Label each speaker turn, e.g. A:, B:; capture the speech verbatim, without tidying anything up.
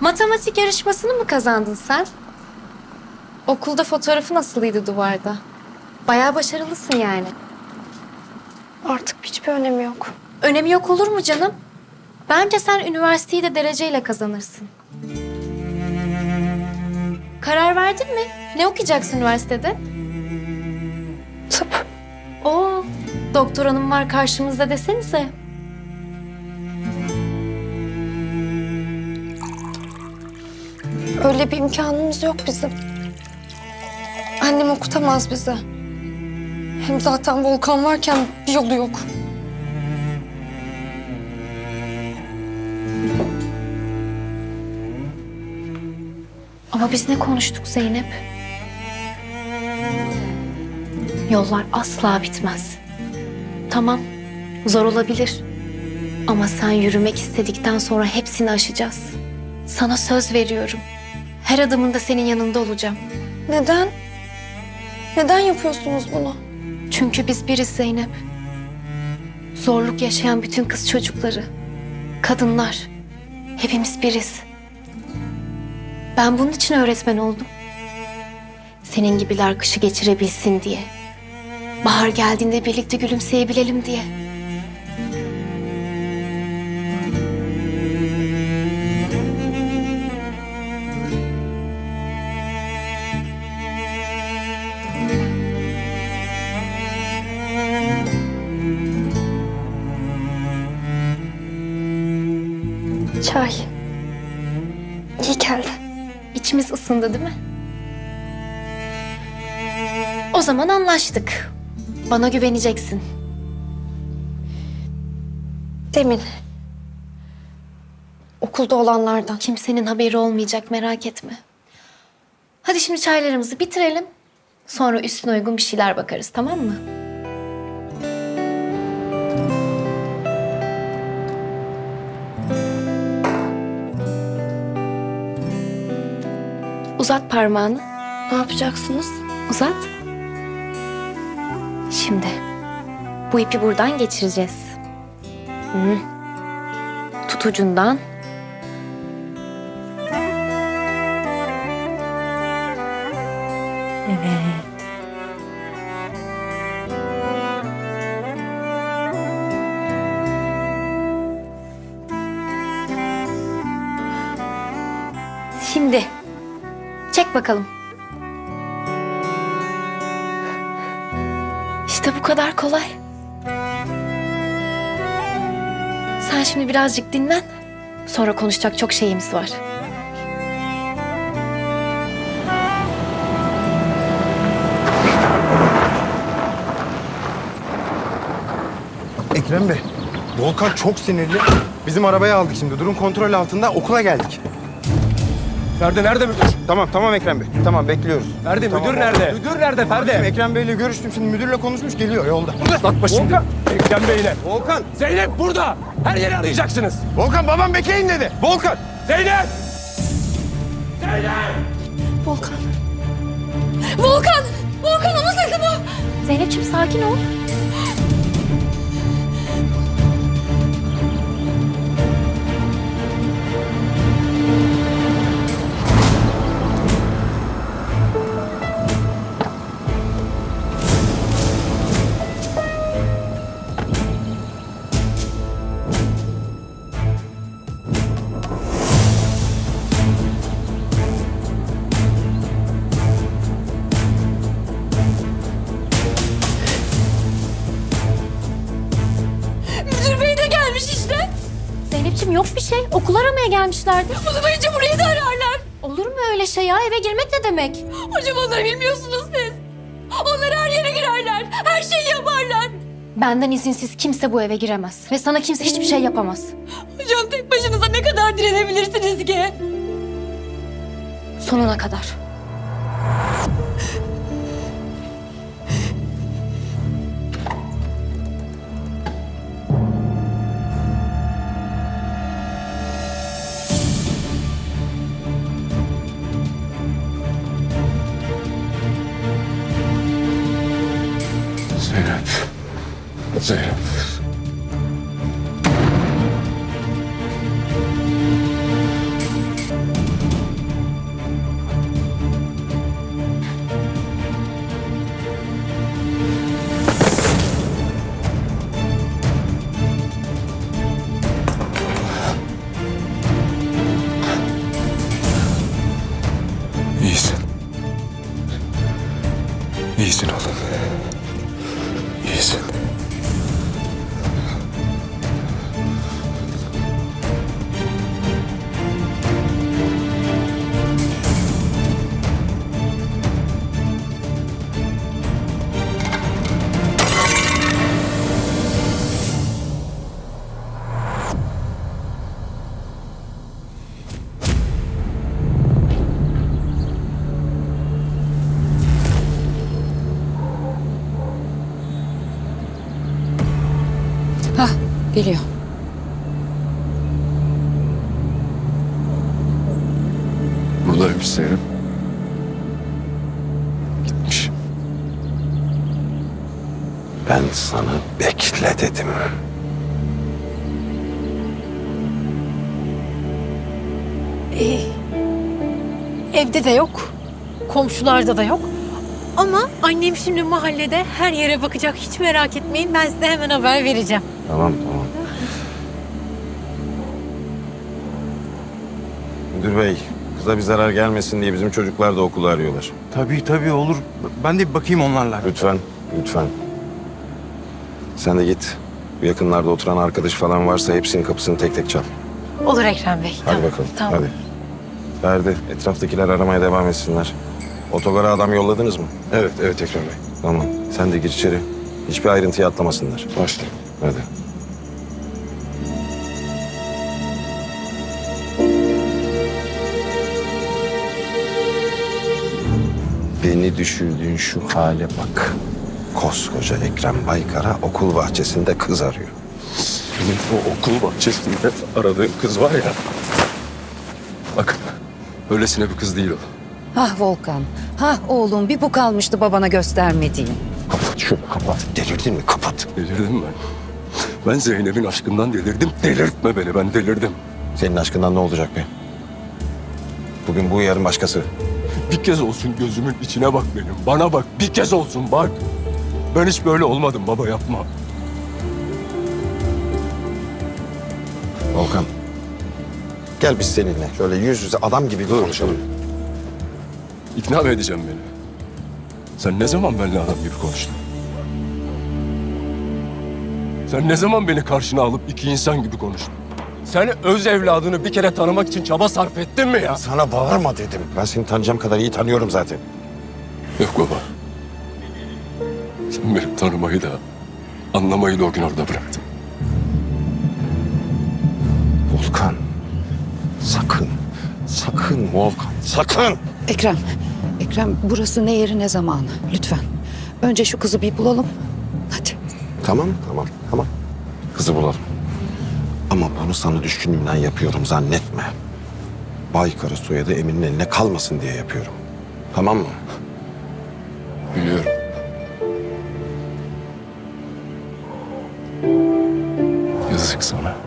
A: Matematik yarışmasını mı kazandın sen? Okulda fotoğrafı nasılıydı duvarda? Bayağı başarılısın yani.
B: Artık hiçbir önemi yok.
A: Önemi yok olur mu canım? Bence sen üniversiteyi de dereceyle kazanırsın. Karar verdin mi? Ne okuyacaksın üniversitede?
B: Tıp.
A: Oo, doktor hanım var karşımızda desenize.
B: Öyle bir imkanımız yok bizim. Annem okutamaz bizi. Hem zaten Volkan varken bir yolu yok.
A: Ama biz ne konuştuk Zeynep? Yollar asla bitmez. Tamam, zor olabilir. Ama sen yürümek istedikten sonra hepsini aşacağız. Sana söz veriyorum. Her adımında senin yanında olacağım.
B: Neden? Neden yapıyorsunuz bunu?
A: Çünkü biz biriz Zeynep. Zorluk yaşayan bütün kız çocukları, kadınlar, hepimiz biriz. Ben bunun için öğretmen oldum. Senin gibiler kışı geçirebilsin diye. Bahar geldiğinde birlikte gülümseyebilelim diye.
B: Çay. İyi geldi.
A: İçimiz ısındı değil mi? O zaman anlaştık. Bana güveneceksin.
B: Demin. Okulda olanlardan.
A: Kimsenin haberi olmayacak, merak etme. Hadi şimdi çaylarımızı bitirelim. Sonra üstüne uygun bir şeyler bakarız, tamam mı? Uzat parmağını.
B: Ne yapacaksınız?
A: Uzat. Şimdi bu ipi buradan geçireceğiz. Hı. Tut ucundan. Evet. Şimdi çek bakalım. İşte bu kadar kolay. Sen şimdi birazcık dinlen. Sonra konuşacak çok şeyimiz var.
C: Ekrem Bey, Volkan çok sinirli. Bizim arabayı aldık şimdi. Durum kontrol altında. Okula geldik.
D: Ferdi nerede müdür?
C: Tamam, tamam Ekrem Bey. Tamam, bekliyoruz.
D: Ferdi
C: Tamam,
D: müdür nerede?
C: oldu.
D: Müdür nerede Ferdi?
C: Şimdi Ekrem Bey'le görüştüm. Şimdi müdürle konuşmuş. Geliyor yolda.
D: Uzatma şimdi. Volkan. Ekrem Bey'le.
C: Volkan!
D: Zeynep burada. Her yeri arayacaksınız.
C: Volkan, babam bekleyin dedi. Volkan!
D: Zeynep! Zeynep!
B: Volkan. Volkan! Volkan onun sesi bu.
A: Zeynep'ciğim sakin ol.
B: Müdür bey de gelmiş işte.
A: Zeynep'ciğim yok bir şey. Okul aramaya gelmişlerdi.
B: Bunu duyunca burayı da ararlar.
A: Olur mu öyle şey ya? Eve girmek ne demek?
B: Hocam onları bilmiyorsunuz siz. Onlar her yere girerler. Her şeyi yaparlar.
A: Benden izinsiz kimse bu eve giremez. Ve sana kimse hiçbir şey yapamaz.
B: Hocam tek başınıza ne kadar direnebilirsiniz ki?
A: Sonuna kadar.
D: Zeynep. Zeynep.
E: Biliyor.
D: Buradaymış Zeynep. Gitmiş.
F: Ben sana bekle dedim.
G: Ee, evde de yok. Komşularda da yok. Ama annem şimdi mahallede her yere bakacak. Hiç merak etmeyin. Ben size hemen haber vereceğim.
F: Tamam tamam. Müdür bey, kıza bir zarar gelmesin diye bizim çocuklar da okulu arıyorlar.
C: Tabii tabii olur. Ben de bir bakayım onlarla.
F: Lütfen, lütfen. Sen de git. Bu yakınlarda oturan arkadaş falan varsa hepsinin kapısını tek tek çal.
G: Olur Ekrem Bey.
F: Hadi
G: Tamam,
F: bakalım,
G: Tamam.
F: hadi. Ferdi, etraftakiler aramaya devam etsinler. Otogara adam yolladınız mı?
D: Evet, evet Ekrem Bey.
F: Tamam, sen de gir içeri. Hiçbir ayrıntıyı atlamasınlar.
D: Başla.
F: Hadi. Beni düşürdüğün şu hale bak. Koskoca Ekrem Baykar'a okul bahçesinde kız arıyor.
D: Senin o okul bahçesinde aradığın kız var ya. Bak, öylesine bir kız değil o.
E: Hah Volkan. Hah oğlum bir bu kalmıştı babana göstermediğin.
F: Kapat şunu kapat. Delirdin mi? Kapat.
D: Delirdim ben. Ben Zeynep'in aşkından delirdim. Delirtme beni, ben delirdim.
F: Senin aşkından ne olacak be? Bugün bu, yarın başkası.
D: Bir kez olsun gözümün içine bak benim. Bana bak, bir kez olsun bak. Ben hiç böyle olmadım baba, yapma.
F: Volkan. Gel biz seninle şöyle yüz yüze adam gibi bir konuşalım.
D: İkna mı edeceğim beni? Sen ne zaman benimle adam gibi konuştun? Sen ne zaman beni karşına alıp iki insan gibi konuştun? Sen öz evladını bir kere tanımak için çaba sarf ettin mi ya?
F: Sana bağırma dedim. Ben seni tanıyacağım kadar iyi tanıyorum zaten.
D: Yok baba. Sen beni tanımayı da anlamayı da o gün orada bıraktın.
F: Volkan. Sakın. Sakın Volkan. Sakın.
E: Ekrem. Ekrem burası ne yeri ne zamanı. Lütfen. Önce şu kızı bir bulalım. Hadi.
F: Tamam, tamam, tamam. Kızı bulalım. Ama bunu sana düşkünlüğümden yapıyorum zannetme. Baykar'ı soyadı Emin'in eline kalmasın diye yapıyorum. Tamam mı?
D: Biliyorum. Yazık sana.